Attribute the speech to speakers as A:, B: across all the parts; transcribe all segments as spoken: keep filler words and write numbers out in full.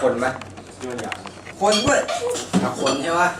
A: คนปะคนด้วยเอาคนใช่ปะ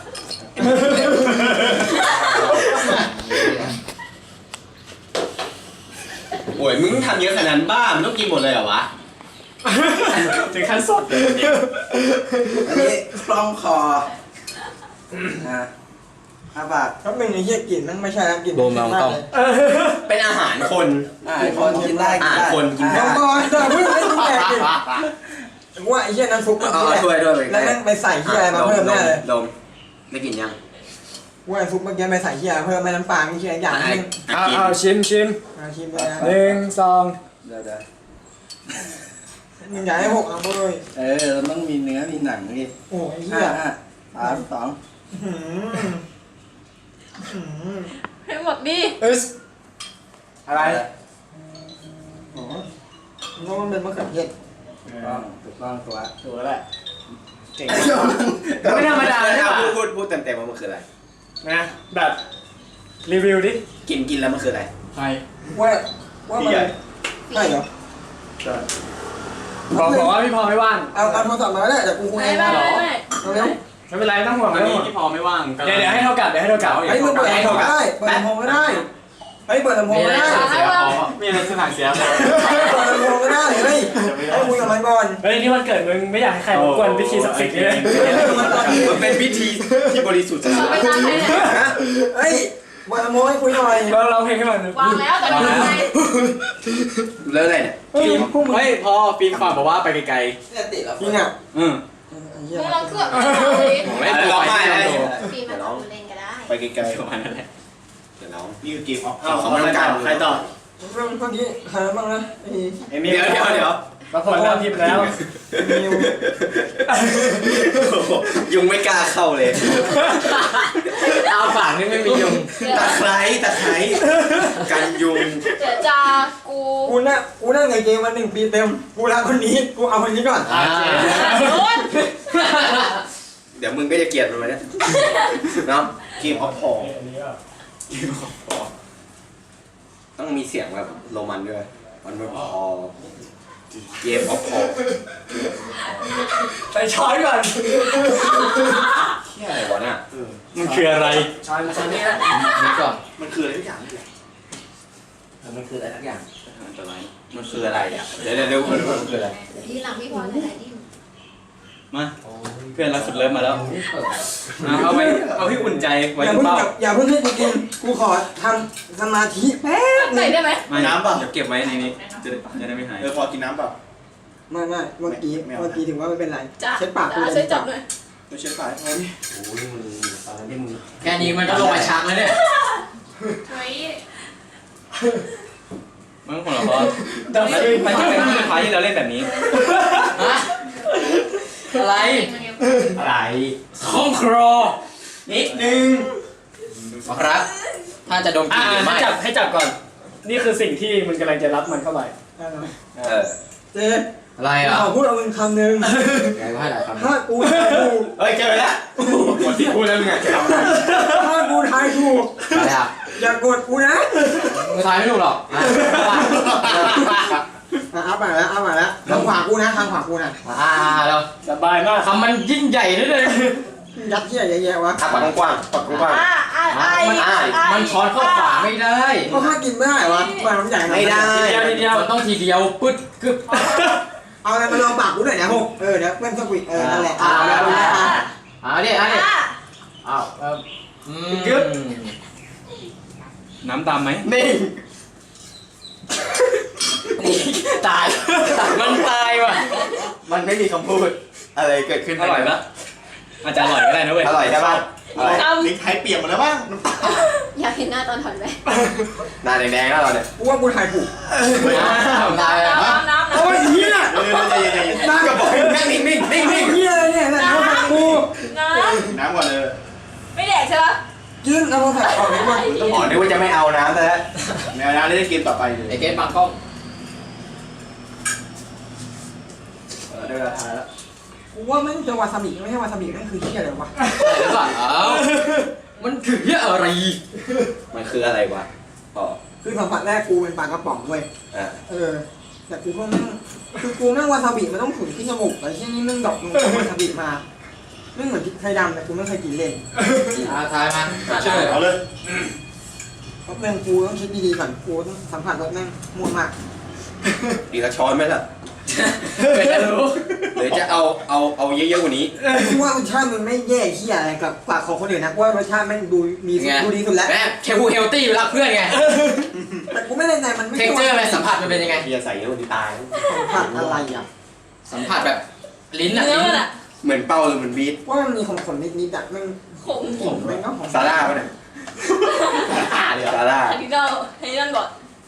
A: โอ้ยมึงทำเยอะขนาดนั้นบ้ามึงต้องกินหมดเลยเหรอวะ
B: ถึงขั้นสดเลย
A: อันนี้คล้องคอนะอาบาก
C: ถ้าเป็นไอ้เหี้ยกลิ่นนั่นไม่ใช่แล้วกลิ่น
A: โดนมองต้องเป็นอาหารคนอาหารคนกินได้อาหารคนกินได้
C: น้องบอยแต่เพิ่งไม่รู้แก่กินว่าไอ้เหี้ยน้ำซุปมันช่วยด้วยแล้วนั่งไปใส่เหี้ยอะไรมาเพิ่มแน่เลย
A: ดมได้กินยัง
C: ว่าซุปเมื่อกี้ไปใส่เหี้ยเพิ่มไม่น้ำปลาไม่เหี้ยอย่างนึง
B: เอาเอาชิมชิม
C: ชิมเลยนะ
B: หนึ่งสอง
A: เดี๋ยวเดี๋ยว
C: มึงอยากให้หกเอาเลย
A: เออเราต้องมีเนื้อมีหนังนี่
C: โอ้ยเหี้ย
A: สามสอง
D: ให้หมดดิ
B: เอสอะไร
C: อ๋อเพราะมันเป็นมะเขือเทศ
A: ถูกต้องตัว
B: ถูกแล้วแหละเก่งไม่ธรรมดาใช่ป่ะ
A: พูดพูดพูดเต็มเต็มว่ามันคืออะไร
B: นะแบบรีวิวดิ
A: กินกินแล้วมันคืออะไร
B: ใช่
C: ว่าว่ามันใช่เหรอ
B: บอกบอกว่าพี่พอไม่ว่าง
C: เอาเอาโทรศัพท์มาได้แต่กูคุย
D: ไม่ไม่ไม่
C: เร็ว
B: ไม่เป็นไรต้องห่วงวันนี้พี่พอไม่ว่างเดี๋ยวเดี๋ยวให้เท่ากับเดี๋ยวให้เท่ากับ
C: ไอ้มึงเปิดลำโพงได้เปิดลำโพงก็ได้ไอ้เปิดลำโพงก็ได้
B: มีอะไรจะผ่านเสียพอ
C: เปิดลำโพงก็ได้เฮ้ยให้คุยกับมันก่อน
B: เฮ้ยนี่วันเกิดมึงไม่อยากให้ใครรบกวนพิธีศักดิ์สิทธิ์เลย
A: มันเป็นพิธีที่บริสุทธิ์
D: ไม่ได้เลย
C: เฮ้ยเปิดลำโพงให้คุยหน่อย
B: เราเราเพลงให้มัน
D: วางแล้วแต่ไม่ได้
A: เรื่องอะไรเนี่ย
B: ฟิล์มเฮ้ยพอฟิล์มฝากบอกว่าไปไกล
C: ๆเนี่ยติดแล้วจริงอ่ะ
B: อืม
D: มึงลองเครื่อง
A: ไม่ร้องไห้เลย
D: ปีมันต้องเล่นก็ได้
A: ไปไกลๆประมาณนั้นแหละเดี๋ยวน้องนี่คือเกมออฟ
B: ของร่างกายใครต่อ
C: เรื่องพวกนี้ใครบ้างนะ
A: ไอ้เดี๋ยวเดี๋ยวเดี๋ยว
B: มาผลแล้วพิมพ์แล้ว
A: ยุงไม่กล้าเข้าเลย
B: เอาฝากนี่ไม่มียุง
A: ตะไคร้ตะไคร้กันยุง
D: เดี๋ยวจะกู
C: กูน่ะกูนั่งในเกมมาหนึ่งปีเต็มกูรักคนนี้กูเอาคนนี้ก่อน
A: เดี๋ยวมึงก็จะเกลียดมันเลยเนาะเกมออฟพอต้องมีเสียงแบบโรมันด้วยมันไม่พอเกมออฟพอ
B: ไปช้อนก่อน
A: เที่ยอะไรวะเนี่ย
B: มันคืออะไร
A: ช้อนมาช้อนนี่นะนี่ก่อนมันคืออะไรทุกอย่างนี่มันคืออะไรทุกอย่างมันคืออะไรอ่ะเดี๋ยวเดี๋ยวเดี๋ยวมันคืออะไร
D: ที่หลังพี่พรอะไรดิ
B: มาเพื่อนรักสุดเลิฟมาแล้วเอาไว้เอาให้อุ่นใจไว้เปล่า
C: อย่าเพิ่งให้กูกินกูขอทำสมาธิแป๊บ
D: ใส่ได้ไหม
A: น้ำเปล่า
B: เดี๋ยวเก็บไว้ในนี้จะจะได้ไม่หาย
A: เออพอกินน้ำเปล่า
C: ไม่ไม่เมื่อกี้เมื่อกี้ถึงว่าไม่เป็นไรเช็ดปากกู
D: เช็ดจับเลย
A: ไม่เช็ดปากโอ้ยโอ้ยมึงอะไรนี่มึง
B: แค่นี้มันก็ลงมาชักแล้วเนี่ย
D: เฮ้ย
B: มึงของเราตอนนี้มันจะเป็นที่สุดท้ายที่เราเล่นแบบนี้อะไรอะไรคองครอนิดนึง
A: ครับถ้าจะดมกลิ่น
B: ให้จับให้จับก่อนนี่คือสิ่งที่มันกำลังจะรับมันเข้าไป
C: เออเจ๊
A: อะไรอ่ะ
C: ขอพูดเอามึงคำหนึ่งถ้ากูทายถูก
A: เฮ้ยเจอแล้ว
B: หมดที่พูดแล้วมึงไง
C: ถ้ากูทายถูก
A: อะไรอ่ะ
C: อย่ากดกูนะ
A: มึงทายไม่ถูกหรอก
C: เอาไปแล้วเอาไปแล้วทางขวากูนะทางขวากูนะ
A: อ่าเรา
B: สบายมาก
A: คำมันยิ่งใหญ่นิดนึง
C: ยัดเยียดแย่ๆวะ
A: ปากกว้างปากกว้าง
D: มัน
A: มันช้อนเข้าฝาไม่ได้
C: ก็ถ้ากินไม่ได้วะปากมันใหญ่
A: ไม่ได้
B: ทีเดียว
A: มันต้องทีเดียวปึ๊ดกึ๊บ
C: เอาอะไรมาลองปากกูหน่อยนะพวกเออเดี๋ยวเพื่อนสกุลเออนั่นแหละอ่า
A: อ่าเนี่ยอ่าเนี่ยอ้าว
B: กึ๊บน้ำตามไหม
A: นี่ตาย
B: มันตายว่ะ
A: มันไม่มีคำพูดอะไรเกิดขึ้น
B: อร่อยปะอาจจะอร่อยก็ได้นะเว้ย
A: อร่อยใช่ป่ะลิ้นไทยเปียกหมดแล้วบ้าง
D: อยากเห็นหน้าตอนถอนไหม
A: หน้าแดงๆแล้วเราเนี่ย
C: กูว่ากูถ่ายถูก
D: น้ำน้ำน้ำ
C: โอ้ยเฮีย
A: น้ำกระบอกนั่งนิ่งนิ่งนิ่งนิ่ง
C: เฮียอะไรเนี่ยน้ำกู
D: น้ำ
A: น้ำก่อนเลย
D: ไม่แดกใช่ปะ
C: กินแล้วพอถ่ายออกนี้มัน
A: อ๋อนึกว่าจะไม่เอาน้ำแต่ไม่เอาน้ำได้กินต่อไปไอ้เกมบังกล้องได้เวลาทายแล้ว
C: กูว่าไม่ใช่วาซาบิไม่ใช่วาซาบินั่นคือเฮียอะไรวะ
A: มันคือเฮียอะไรมันคืออะไรวะอ๋อ
C: คือสัมผัสแรกกูเป็นปลากระป๋องเว้ยเออแต่กูก็แม่งคือกูแม่งวาซาบิมันต้องขุนที่จมูกไอ้เช่นนี้แม่งดอกมึงเอาวาซาบิมาแม่งเหมือนพริกไทยดำแต่กูไม่เคยกินเล่น
A: อาทายมัน
B: เชื่อ
E: เอาเลย
C: เพราะแม่งกูต้องคิดดีๆก่อนกูต้องสัมผัสรสแม่งมั่วมาก
A: อีกละช้อนไหมล่ะ
B: เกิดจะรู้
A: หรือจะเอาเอาเอาเยอะๆกว่านี้
C: กูว่ารสชาติมันไม่แย่เหี้ยอะไรกับปากของคนอื่นนะกูว่ารสชาติแม่งดูมีดูดีสุดแล้ว
F: แม่เคพูเฮลตี้รักเพื่อนไง
C: แต่กูไม่แน่ใจมันไม่
F: เท็กเจอร์อะไรสัมผัสมันเป็นยังไง
E: เบียร์ใส่เยอะกว่านี้ตาย
C: สัมผัสอะไรอ่ะ
F: สัมผัสแบบลิ้นอะ
D: เนื้อ
F: ลิ้
D: มัน
F: น
D: อะ
A: เหมือนเป้าหรือเหมือนบีท
C: ว่ามันมีของขมนิดๆอ่ะแม่ง
D: ขม
C: ขมแม่งก็ของ
A: ซาร่าปะเนี่ย
E: อ่าเดี๋ยว
A: ซาร่า
D: อันนี้เราให้นั่นก่อน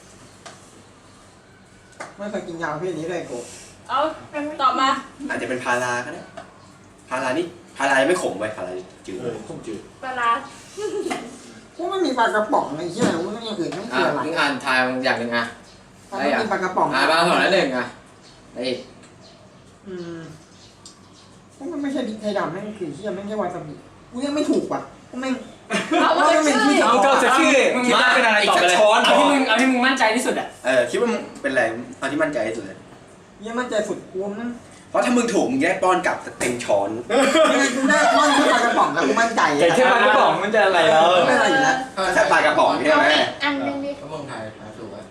C: ไม่เคยกินยาประเภทนี้เลยกู
D: เอาตอบมา
A: อาจจะเป็นพาราก็ได้พารานี่พารายังไม่ขมไปพาราจืด
E: เออข้มจืด
D: ปลาร้า
C: กูไม่มีปลากระป๋องอะไรเหี้ยกูไม่มีอย่างอื่นไม่
F: อ่ะ
C: คืออะไร
F: มึงอ่านทายมึงอย่างหนึ่งอ่ะ
C: ถ้าไม่มีปลากระป๋อง
F: อ่านมาสองแล้วหนึ่งอ่ะไอ้อีก
C: อืมพวกมันไม่ใช่พริกไทยดำแม่งคือเหี้ยแม่งแค่วาซาบิกูยังไม่ถูกว่ะพวกแม่ง
D: เอามาจากชื่อ
B: เอาก็จะชื่อมึงคิดว่าเป็นอะไรตอบไปเลย
F: เอาที่มึงเอาที่มึงมั่นใจที่สุดอ่ะ
A: เออคิดว่ามึงเป็นอะไรเอาที่มั่นใจที่สุดเลย
C: ยังมั่นใจสุดกูนั่น
A: เพราะถ้ามึงถูกมึงจะได้ป้อนกลับเต็มช้อน
C: ยังไงกูได้ก้อนแค่ปลากระป๋องแล้วกูมั่นใจ
B: แต่แค่ปลากระป๋องมันจะอะไรแล้ว
C: ไม่อะไรอยู่แล้ว
A: แค่ปลากระป๋องใช่ไหม
D: อันนึงดิ
F: ก็มึงทายทายถูกอ่ะ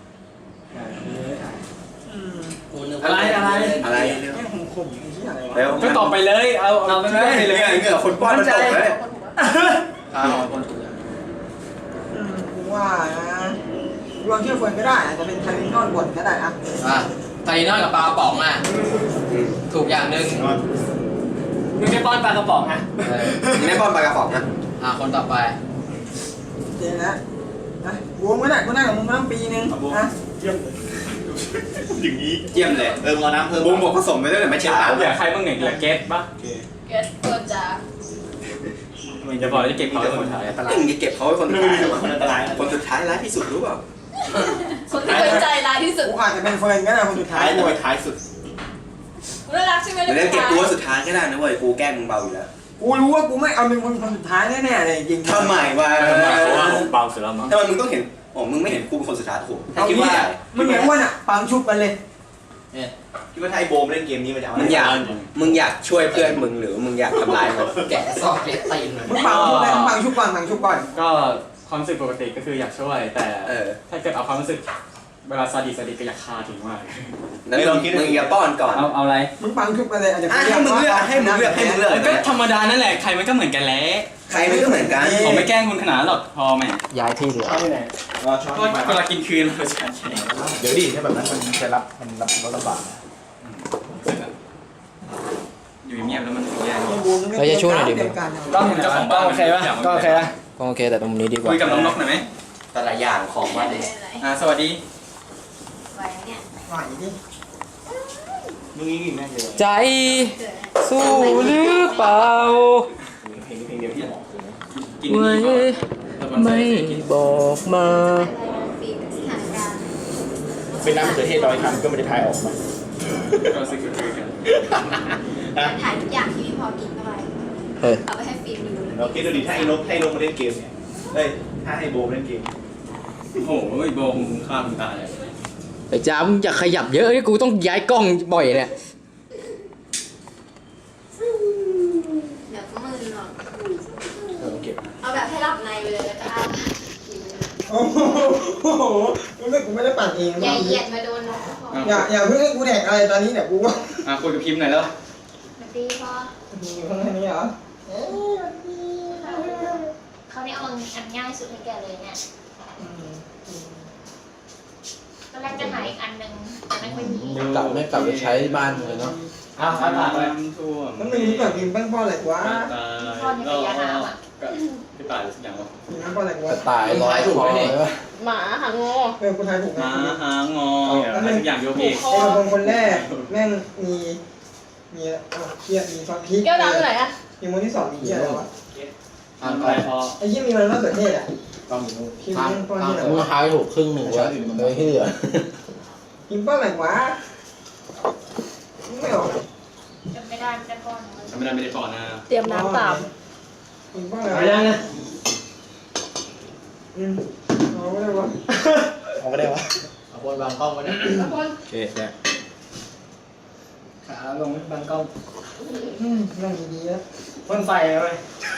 C: อืม
B: อะไรอะไร
A: อะไร
C: แม่งขมๆไอ้เหี้ยอะไรวะ
A: แล้ว
B: ก็ตอบไปเลยเอาเอาไปเลย
A: เหงื่อเหงื่อคนป้อนมันตกเลย
F: อ้าวคนถูกอ่ะ
C: อืมกูว่านะลองเชื่อเฟิร์นก็ได้อาจจะเป็นไทลินอนบดก็ได้อะ
F: อ่ะไทยนอนกับปลากระป๋องอ่ะถูกอย่างหนึ่ง
B: มึงจะป้อนปลากระป๋องอ่ะ
F: เออ
A: มึงได้ป้อนปลากระป๋องนะ
F: อ่ะคนต่อไป
C: เจ๊นะนะกูก็ได้กูได้กับมึงมาตั้งปีนึงนะ
E: เยี่ยมเลยอย่างนี้
A: เยี่ยมเลย
E: เออมึงเอาน้ำเพิ่ม
A: บูมบอกผสมไปด้วยแต่ไม่ใช่ปลา
B: อยากใครมึงเหนื่อยเหลือเกตปะ
E: โอเค
D: เกสตัวจ่า
B: มึงจะบอกจะเก็บเขาเป็นคนถ่าย
A: ตึงจะเก็บเขาไว้คนสุด
E: ไม่
A: ท้าย
E: รู้คนอันตรายนะ
A: คนสุดท้ายร้ายที่สุดรู้เปล่า
D: คนที่เคยใจร้ายที่สุด
C: กูอาจจะเป็นเฟิร์นก็ได้คนสุดท้า
E: ท้าย ยจะไปท้ายสุด
D: น่ารักใช่ไหม
A: เดี๋ยวเล่นเก็บตัวสุดท้ายก็ได้นะเว้ยกูแกล้งมึงเบาอยู่แล้ว
C: กูรู้ว่ากูไม่เอาเป็นคนสุดท้ายแน่ๆเลยจริง
A: ทำไมวะ
B: เพราะว่าผมเบาสุดแล้วมั้ง
A: ทำไมมึงต้องเห็นอ๋อมึงไม่เห็นกูเป็นคนสุดท้ายถูก
C: เอา
A: คิด
C: งี้
A: ว่า
C: มึงเห็นว่าน่ะปังชุบกันเลย
E: คิดว่าถ้าไอ้โบมเล่นเกมนี้มันจะเอา
A: มึงอยากมึงอยากช่วยเพื่อนมึงหรือมึงอยากทำร้ายมัน
F: แกะซอกแกะตีน
C: มึงปังชุบเลยมึงปังชุบก่อนปังชุบก่อน
B: ก็ความรู้สึกปกติก็คืออยากช่วย แต่
A: เออ
B: ถ้าเกิดเอาความรู้สึกเวลาซาดิสซาดิสก็อยากฆ่าทิ้งมาก
A: นั้นมึงมึงอย่าป้อนก่อน
B: เอาเอาอะไร
C: มึงปังชุบกันเลยอาจจะ
A: อ่ะให้มึงเลือกให้มึงเลือกให้มึงเลือก
B: ก็ธรรมดานั่นแหละใครมันก็เหมือนกันแหละ
A: ใครมันก็เหมือนกัน
B: ผมไม่แกล้งคุณขนาดนั้นหรอกพอไหม
F: ย้ายที่เหลือ
E: เอาไปไหนรอช้อน
B: ก็เวลากินคืนเราจะแข่ง
E: เดี๋ยวดิถ้าแบบนั้นมันจะรับมันรับรถลำบาก
B: อยู่เงียบแล้วมันถึงแย่
F: เราจะช่วยหน่อยดิ
C: เตรียมการ
B: ก็ผมเจ้าของบ้านโอเคป่ะก็โอเคป่ะ
F: ก็โอเคแต่ตรงนี้ดีกว่า
B: คุยกับน้องนกหน่อยไหม
A: แต่ละอย่างของมัน
B: อ่าสวัสดี
D: ไว้เนี่ย
C: หน่อยดิ
E: มึงยิ่งแม่งเดียว
F: ใจสู้หรือเปล่า
E: เพลงนี้เพลงเดียวที่บอกเลยนะ
B: กินดีก่อน
F: ไม่บอกมา
D: ฟิล์มสถานการณ์
E: เป็นน้ำมะเขือเทศร้อยคำก็ไม่ได้ทายออกมา
B: ก็ซื้อคือกัน
D: ถ่ายทุกอย่างที่พี่พอกินเข้าไป
F: เออ
D: เอาไปให้ฟิล์มดู
E: เราคิดดูดิถ้าไอ้นกให้นกมาเล่นเกมเนี่ยเอ้ยถ้าให้โบมเล่นเกม
B: โอ้โหโบงฆ่าคุณตาเลย
F: ไอ้จ้ามึงอย่าขยับเยอะกูต้องย้ายกล้องบ่อยเนี่ย
D: เดี๋ยวก็มือหรอก
E: เออเก็บ
D: เอาแบบให้รับในไปเลยแล้วก็อ้า
C: โอ้โหมึงไม่กูไม่ได้ปั่นเอง
D: อย่าเหยียดมาโดนนกก็พอ
C: อย่าอย่าเพิ่งให้กูแดกอะไรตอนนี้เนี่ยกูว่า
B: อ่ะคุยกับพิมพ์หน่อยแล้ว
D: สวัสดีพ่อ
C: อยู่ข้างในนี้เหรอเอ๊ะ
D: เขาได้เอาอันง่ายสุดให้แกเลยเนี่ย
C: อืม
D: ตอนแรกจะหาอีกอันหนึ่งแต่ไม่ค่อยมี
F: กลับไม่กลับไปใช้บ้านเลยเนาะ
B: อ้าวผ่านผ่านไปท่วม
C: มันมีแบบกินแป้งพ่ออะไรวะ
B: ตาย
D: พ่อในระยะน้ำอ่ะ
B: พี่ตายหรือสักอย่างวะ
C: กินแป้งพ่ออะไรวะ
F: ตายร้อยถูกไหมเนี่ย
D: หมาหางอ
C: เออกูทายถูกไหม
B: มาหางออะไรสักอย่างโยกเอง
C: ไอ้คนคนแรกแม่งมีมีอ่ะเคียมีซอสพริก
D: แก้วน้ำอยู่ไหนอ่ะ
C: มีมูลที่สองมีเคียอะไรวะ
B: อ่านไปพอ
C: ไอ้เคียมีมันมะเขือเทศอ่ะ
E: ต้องอยู่นู่น
C: คิมแม่งป้อนที่ไหน
F: มึง
C: วะ
F: หายถูกครึ่งหนึ่งวะเลยที่เหลือ
C: คิมป้อนอะไรวะไม่ออก
D: จำไม่ได้ไม่ได้ป้อน
B: ทำไม่ได้ไม่ได้ก่อนนะ
D: เตรียมน้ำตาม
C: คิมป้อนอะไร
B: ไป
C: วะ
B: ยังนะ
C: อืมเอาไม่ได้วะ
E: เอาก็ได้วะ
C: เ
F: คนบางกล้องวันนี้
E: โอเคเนี่ย
C: ขาลงบางกล้องอืมนั่งดีๆนะพ่นไฟเลย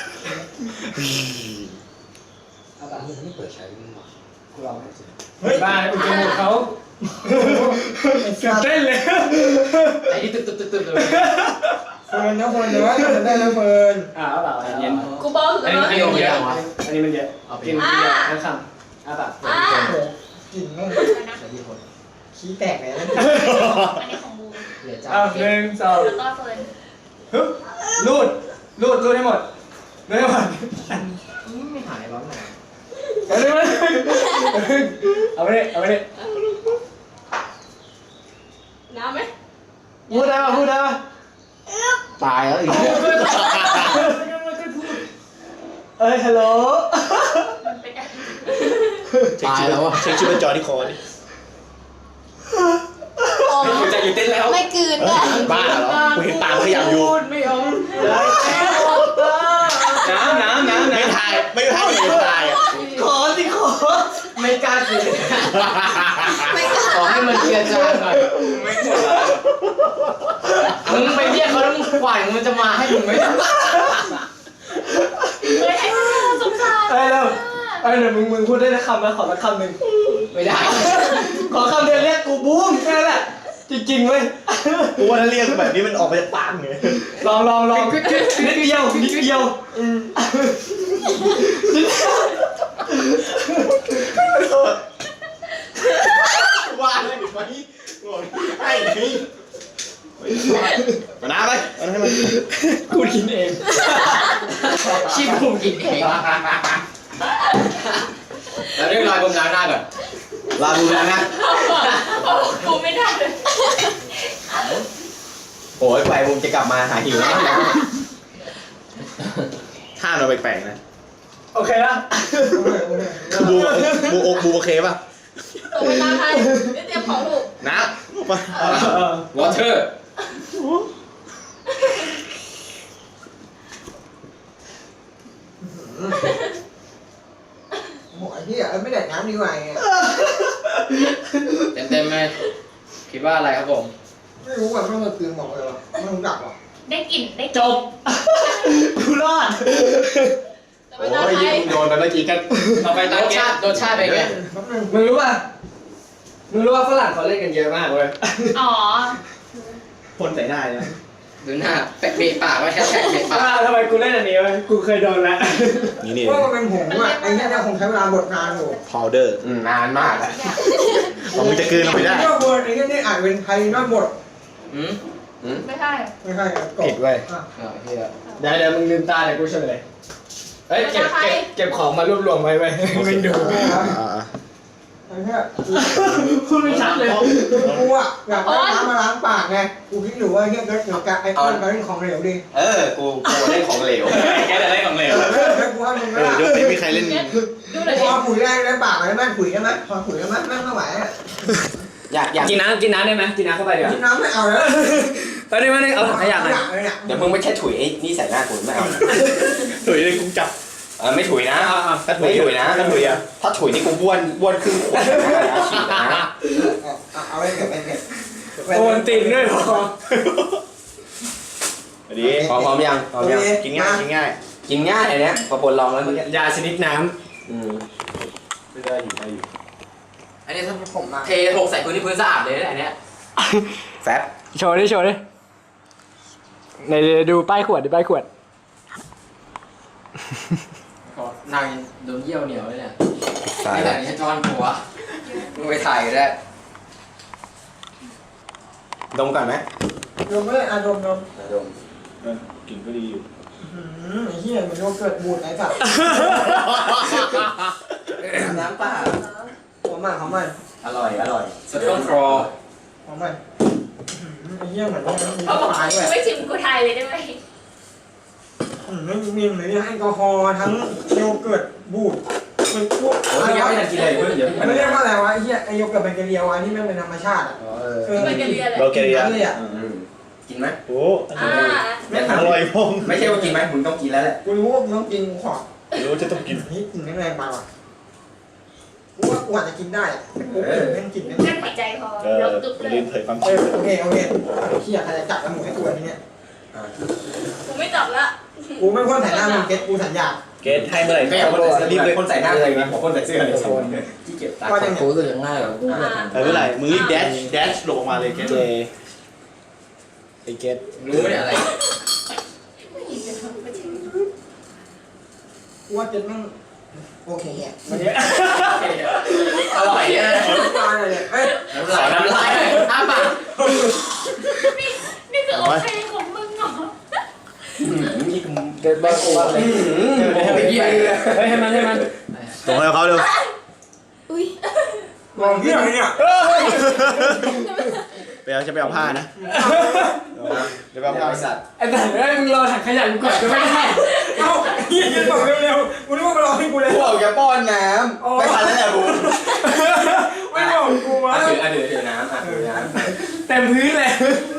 C: เอาแบบนี้ไม่เปิดใช้ไม่หมดกูลองเฮ้ยบ้าอุจจาระเขาเต้นเลย
F: ไอ้ที่ตึ๊บตึ๊บตึ๊บตึ๊บเลย
C: เฟิร์นนะเฟิร์นเดี๋ยวว่าทำได้แล้วเฟิร์น
E: อ่าเอาเปล่าเย็น
D: กูบอก
B: อัน
D: เล
B: นี้
D: ย
B: อันนี้มันเยอะ
E: อันนี้มันเยอะ
F: เอาไป
E: กินกินเยอะทั้งคำอ่าเปล่า
D: อ่า
C: กลิ่นแม่ง
F: ใช้ที่คน
C: ขี้แตกเลยนะ
D: อันนี้ของบูม
F: เหลือจ้า
E: อ้าวหนึ่งสอง
D: แล้วก็เฟิร์น
E: ฮึบรูดรูดรูดให้หมดรูดให้หมด
F: ไม่หายร้อนหนา
E: เอาดิเอาไปดิเอาไปดิ
D: น้ำไหม
E: พูดได้ป่ะพูดได้ป่ะ
F: ตายแล้วอีก
E: เอ้ยฮัลโหล
D: มันเป็นอะไร
F: ตายแล้วอ่ะ
E: เช็คชีพจรที่คอดิ
B: ใจอยู่เต้นแล้ว
D: ไม่กลืนด้วย
E: บ้าเหรอกูเห็นตามขยับอยู่
B: ไม่เอาน้ำน้ำน้ำ
E: ไม่
B: น้ำ
E: ถ่ายไม่ถ่ายไม่ถ่ายอ่ะ
C: ขอสิขอ
F: ไม่กล้ากินขอให้มันเกลียจางหน่อย
B: ไม่กลัว
F: มึงไปเรียกเขาแล้วมึงกว่ามันจะมาให้มึงไหม
D: เฮ้ยสงสาร
E: เอ้ยเร็วเอ้ยเดี๋ยวมึงมึงพูดได้สักคำนะขอสักคำหนึ่ง
F: ไม่ได้
E: ขอคำเดียวเรียกกูบูมแค่นั้นแหละจริงๆเว้ยกูว่าถ้าเรียกแบบนี้มันออกมาจากปากไงลองลองลองนิดเดียวนิดเดียวว่าเลยไปไอ้นี่มาหน้าไปเอาให้มันกูกินเอง
F: ชิบผมกินเองแล้วเรียกรอยผมล้างหน้าก่อน
E: ลาบูแล้วนะ
D: กูไม่ได้เลย
E: โอ้ยไปผมจะกลับมาหาหิวแล้วท่าเราแปลกๆนะโอเคนะคือบูบูโอบูโอเคป่ะ
D: ตกเวลาไทยเตรียมของลูก
E: นะมาว
B: อเตอร์
C: โอ้ยที่อ่ะไม่แดกน้ำดีกว่าไง
F: เต็มเต็มไหมคิดว่าอะไรครับผม
C: ไม่รู้ว่าไม่มาเตือนบอกเลยว่าไม่รู้จักหรอก
D: ได้กลิ่นได้
E: จบกูรอด
D: ตกเวลาไทย
E: โดนไปเมื่อกี้กัน
B: ต่อไป
F: ร
B: ตา
F: ส
B: เก
F: ชาติรสชาติเป็นไง
C: แป๊บนึง
E: มึงรู้ป่ะมึงรู้ว่าฝรั่งเขาเล่นกันเยอะมากเว้ย
D: อ๋อ
E: พ่นใส่ได้นะ
F: ดูหน้าแปะเบะปากไว้แค่แปะเบะปาก
E: ทำไมกูเล่นอันนี้วะกูเคยโดนแล้วนี่นี่
C: ว่ามันเป็นผงอ่ะไอ้เนี่ยเนี่ยคงใช้เวลาบดนานอยู่
E: พาวเดอร์นานมากอะมึงจะคืนไม่ได้
C: ไอ้เนี่ยบดไอ้เนี่ยนี่อ่านเป็นไทยน่าบด
F: อืม
D: ไม่ใช่
C: ไม่ใช่ครับ
E: ผิดเว้ย
C: อ่ะ
F: อ่าเฮีย
E: เดี๋ยวเดี๋ยวมึงลืมตาเดี๋ยวกูเฉลยเฮ้ยเก็บเก็บเก็บของมารวบรวมไว้ไว้มึงดู
C: ไอ้เนี่ย
E: พูดไม่ชัดเลย
C: กูอ่ะอยากได้น้ำมาล้างปากไงกูคิดอยู่ว่าเนี่ยเกิดเกี่ยวกับไอ้ต้นเป็นของเหลวดิ
A: เออ กูกูเล่นของเหลว
B: แกจะได้ของเหลว
C: เออแล้วกูว่ามึงก็
E: ยกนี้มีใครเล่น
D: ดูหน่อย
C: พอขุยได้ได้ปากได้ไหมขุยได้ไหมพอขุยได้ไหมแม่ไม่ไหวอ่ะ
A: อยากอยาก
E: กินน้ำกินน้ำได้ไหมกินน้ำเข้าไปเดี๋ยว
C: กินน้ำไม่เอาแล้ว
E: ตอนนี้มันเอาถังขยะ
C: อ
E: มา
C: ยากเลยเนี่ย
A: เดี๋ยวมึงไม่ใช่ถุยไอ้นี่ใส่หน้ากูไม่เอา
E: ถุยเลยกูจับ
A: เออไม่ถุยนะ
E: ถ้าถุย
A: ไม่ถุยนะ
E: ถ้าถุยอ่ะ
A: ถ้าถุยนี่กูบ้วนบ้วนครึ่งขวดนะฉีดนะ
C: เอาไปเก็บไปเก็บ
E: โอนติ่งด้วยพอดี
A: พร้อมพร้อมยังพร้อมยัง
E: กินง่ายกินง่าย
A: กินง่ายอันเนี้ยพอปนลองแล้วมึง
E: ยาชนิดน้
A: อืม
E: ำไม่ได้อยู่ได้อยู่
F: อันนี้ถ้าผมเทหกใส่พื้นที่พื้นสะอาดเลยนะอันเนี้ย
A: แฟบ
E: โชว์ดิโชว์ดิในดูป้ายขวดดิป้ายขวด
F: นางโดนเยี่ยวเหนียวเลยเนี่ย
A: ตาย
F: ไม่
A: แล้
F: แต่
A: ว
F: นี่จอนหัวมึงไปถ่ายก็ได้
A: ดมก่อนไหม
C: ดมไม่ได้อะดมดม
A: ดม
E: กลิ่นก็ดีอยู่
C: อืมไอ้เหี้ยมันโยเกิร์ตบูดไหนสัตว์
A: น้ำเปล่า
C: หอมมากหอมมาก
A: อร่อยอร่อย
B: สตองครอ
C: หอมมากไอ้เหี้ยเหมือนมันมี
D: เขาบอก
C: ปลายด้วย
D: ไม่ชิมกูไทยเลยได้ไหม
C: อืมไม่มีเหมือนแอลกอฮอล์ทั้งโยเกิร์ตบูดมันพวก
F: โอ้ยยังไม่ทันกินเลยเพิ่งเดี๋ยว
C: มันเรียกว่าอะไรวะไอ้เหี้ยไอโยเกิร์ตแบคทีเรียอันนี้แม่งเป็นธรรมชาติอ่ะ
A: เออ
C: เออ
D: มันกันเรียนเลย
E: เบลเกเรีย
C: เลยอ่ะ
A: อืมกินไหม
E: โอ้
D: อ่า
C: แม่ง
E: อร่อยพง
A: ไม่ใช่ว่ากินไหมมึงต้องกินแล้วแหละ
C: กูรู้ว่ากูต้องกินกูขอ
E: รู้จะต้องกิน
C: นี่กินแรงๆไปว่ะกูว่ากูอาจจะกินได้แต่กูไม่กินไม่
D: กั้นหายใจพอ
E: เออ
D: แล้วตึ๊บเลย
E: ลิ้นเผยความ
C: เอ
E: คิด
C: อโอเคโอเคเฮียใครจะจับจมูกให้กูทีเนี้ย
D: กูไม่จับละ
C: กูไม่พ่นใส่หน้ามึงเก็ตกูสัญญา
E: เกตให้เมื่อไหร่
A: ไม่อยากคนใส่รีบเลยคนใส่หน้าเลยนะผมคนใส่เสื้อเลยที่เก็บตา
C: ก็ยัง
F: กูรู้สึกง่ายกว่า
D: อ่า
E: เออเมื่อไหร่มึงรีบแดชแดชลงออกมาเลยเกตเจไอเกต
F: รู้ไหมอะไร
C: กูว่าเก็ตแม่งโอเคอ่ะ
F: อร่อยเนี่ย
C: ตายเลยเอ้ย
F: น้ำลายน้ำลายอ้าปาก
D: นี่นี่คือโอเคของมึงเหรอ
A: นี่คือ
F: เกิดบ้ากูอะไรไม่เกี่ยวเฮ้ยให้มันให้มัน
E: ส่งให้เขาเร็ว
D: อุ้ย
C: มองเฮียอะไรเนี่ย
E: ไปเอาจะไปเอาผ้านะเดี๋ยวไปเอาผ้า
A: บริษัท
F: ไอ้สัตว์เอ้ยมึงรอถังขยะกูก่อนก็ไม่ได้
C: เอ้าเฮียยืนบอกเร็วๆกูนึกว่ามารอให้กูเลย
A: กูบอกจะป้อนน้ำไม่ทันแล้วแหละบู
C: ไม่บอกกูวะ
A: อ่ะถืออ่ะถือถือน้ำอ่ะถือน้ำ
F: เต็มพื้นเลย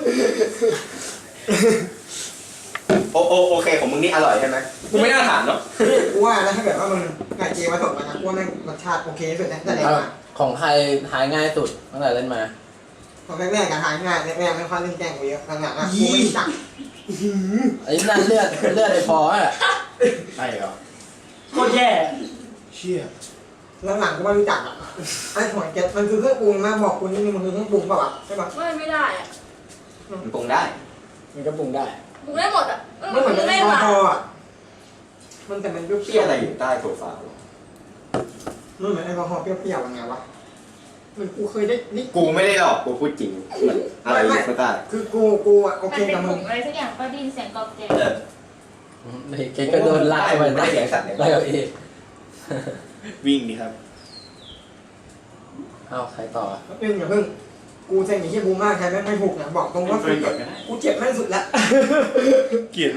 A: โอโอโอเคของมึงนี่อร่อยใช่ไหมกูไม่น่าถามเนาะ
C: กูว่านะถ้าเกิดว่ามึงไก่เจมาสดมานะกูว่าแม่งรสชาติโอเคสุดนะแต่เด็กมา
F: ของใครหายง่ายสุดตั้งแต่เล่นมา
C: ตอนแรกๆกันหายง่ายแรกๆไม่ค่อยเล่นแกล้งกูเยอะหลังๆอ่ะกูไม่จัก
F: ไอ้นั่นเลือดเลือดไอ้พออ่ะ
A: ใช่เหรอ
F: โคตรแย่
E: เชี่ย
C: หลังๆกูไม่รู้จักอ่ะไอ้หอยเก็ตมันคือเครื่องปรุงนะบอกคุณนี่มันคือเครื่องปรุงเปล่าวะใช่ปะ
D: ไม่ไม่ได้อะ
A: มันปรุงได้
F: มันก็ปรุงได้
D: กูได้หมดอ่ะเออ
C: ไม่เหมือน
D: กู
C: แอ
D: ได้
C: ลก
D: ห
C: อ
D: วาน
C: ฮอล์อ่ะมันแต่มันเป
A: เปรี้
C: รี้
A: ย
C: ยว ว
A: อะไรอยู่ใต้โซฟา
C: ๆมันเหมือนแอลกอฮอล์เปรี้ยวๆยังไงวะมันกูเคยได้นี่
A: กูไม่ได้หรอกกูพูดจริงอะไรอยู่ข้างใต้
C: คือกูกูอ่ะโอ
D: มัน
C: เค
D: เป็น
C: กับ
D: ผ
C: มึ
D: ง
C: ง
D: อะไรสักอย่างก็ได้ยินเสียงกรอบแกร
A: เออ
F: เกก็โดนลากไป
A: ไม่ได้เสียงสัตว์เนี่ย
F: ได้กับเอ
E: วิ่งดิครับ
F: เอ้าใครต่อ
C: เพิ่งอย่าเพิ่งกูเซ็งอย่างที่บูมากใครไม่ไม่ถูกนะบอกตรงว่ากูกูเจ็บแม่งสุดละ
E: เกลียด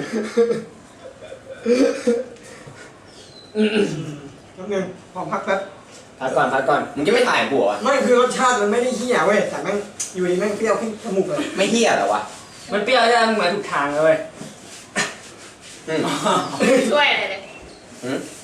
C: นิดนึงขอพักแป๊บ
A: พักก่อนพักก่อนมึงจะไม่ถ่ายกูเหรอ
C: ไม่คือรสชาติมันไม่ได้เฮี้ยเว้ยแต่แม่งอยู่ดีแม่งเปรี้ยวขึ้นจมูกเลย
A: ไม่เฮี้ยเหรอวะ
F: มันเปรี้ยวใช่ไหมมึงมาถูกทางเลย
A: อืม
D: ช่วยอะไรเลย
A: อืม